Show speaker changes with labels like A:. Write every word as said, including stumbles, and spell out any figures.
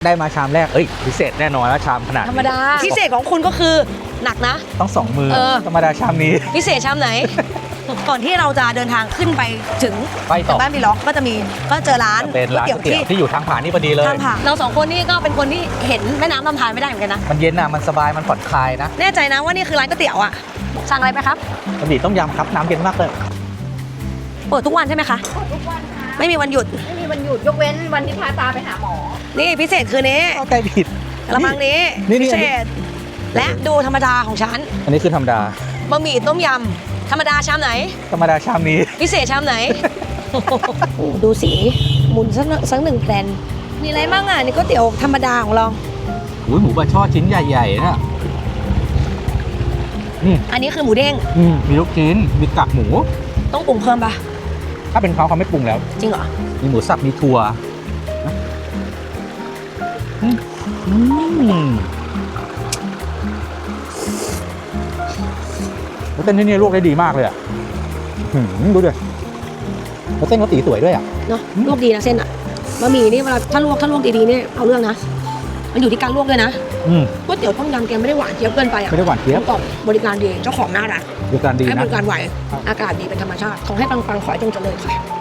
A: ได้มาชามแรกเอ้ยพิเศษแน่นอนแล้วชามขนาด
B: ธรรมดาพิเศษของคุณก็คือหนักนะ
A: ต้องสองมือ
B: เออ
A: ธรรมดาชามนี้
B: พิเศษชามไหน ก่อนที่เราจะเดินทางขึ้นไปถึง
A: ไปต่อ
B: บ้านพี่ล็อกก็จะมีก็เจอร้าน
A: เป็นร้านก๋วยเตี๋ยวที่อยู่ทางผ่านนี่พอดีเลย
B: ทางผ่านเราสองคนนี่ก็เป็นคนที่เห็นแม่น้ำลำธารไม่ได้เหมือนกันนะ
A: มันเย็นอ่ะมันสบายมันผ่อนคลายนะ
B: แน่ใจนะว่านี่คือร้านก๋วยเตี๋ยวอ่ะสั่งอะไรไปครับ
A: บะหมี่ต้มยำครับน้ำเย็นมากเลย
B: เปิดทุกวันใช่ไหมคะ
C: ทุกวันค่ะ
B: ไม่มีวันหยุด
C: ไม่มีวันหยุดยกเว้นวันที่พาตาไปหาหมอ
B: นี่พิเศษคือนี้
A: เข้าใจผิด
B: กระมังนี้
A: นี่นี่
B: พิเศษและดูธรรมดาของฉัน
A: อันนี้คือธรรมดา
B: บะหมี่ต้มยำธรรมดาชามไหน
A: ธรรมดาชามนี้
B: พิเศษชามไหน ดูสีหมุนสักสักหนึ่งแผ่นมีอะไรบ้างอ่ะนี่ก๋วยเตี๋ยวธรรมดาของเรา
A: อุ้ยหมูบะช่อชิ้นใหญ่ๆนะนี่
B: อันนี้คือหมูเด้ง
A: อืมมีลูกชิ้นมีกากหมู
B: ต้องปรุงเพิ่มปะ
A: ถ้าเป็นเขาเขาไม่ปรุงแล้ว
B: จริงเหรอ
A: มีหมูสับมีถั่วนะอืมอืมแล้วเส้นที่นี่ลวกได้ดีมากเลยอ่ะหืมดูดิแล้วเส้นเขาตีสวยด้วยอ่ะ
B: เนาะลวกดีนะเส้นอ่ะบะหมี่นี่เวลาถ้าลวกถ้าลวกดีๆนี่เอาเรื่องนะมันอยู่ที่การลวกด้วยนะ
A: อืม
B: ก๋วยเตี๋ยวต้มยำแกไม่ได้หวานเจี๊ยบเกินไปอ่ะ
A: ไม่ได้หวานเจี๊ยบ
B: กล่อมบริการดีเจ้าของน่ารัก
A: ดูการดี
B: ให้บ
A: นะ
B: ริการไหวอากาศดีเป็นธรรมชาติขอให้ปังๆขอให้จงเจริญค่ะ